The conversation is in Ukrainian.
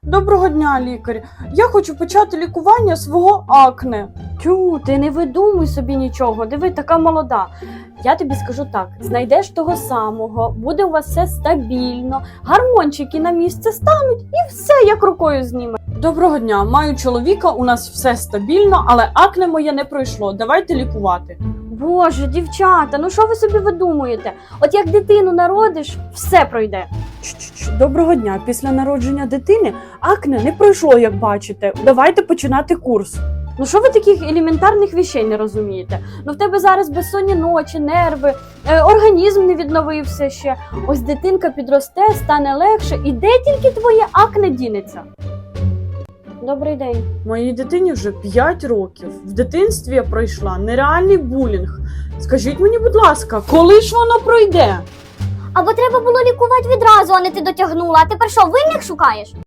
Доброго дня, лікар. Я хочу почати лікування свого акне. Тю, ти не видумуй собі нічого, диви, така молода. Я тобі скажу так, знайдеш того самого, буде у вас все стабільно, гормончики на місце стануть і все як рукою зніме. Доброго дня, маю чоловіка, у нас все стабільно, але акне моє не пройшло. Давайте лікувати. Боже, дівчата, ну що ви собі видумуєте? От як дитину народиш, все пройде. Доброго дня. Після народження дитини акне не пройшло, як бачите. Давайте починати курс. Ну що ви таких елементарних вещей не розумієте? Ну в тебе зараз безсонні ночі, нерви, організм не відновився ще. Ось дитинка підросте, стане легше, і де тільки твоє акне дінеться? Добрий день. Моїй дитині вже 5 років. В дитинстві я пройшла нереальний булінг. Скажіть мені, будь ласка, коли ж воно пройде? Або треба було лікувати відразу, а не ти дотягнула. А тепер що, винних шукаєш?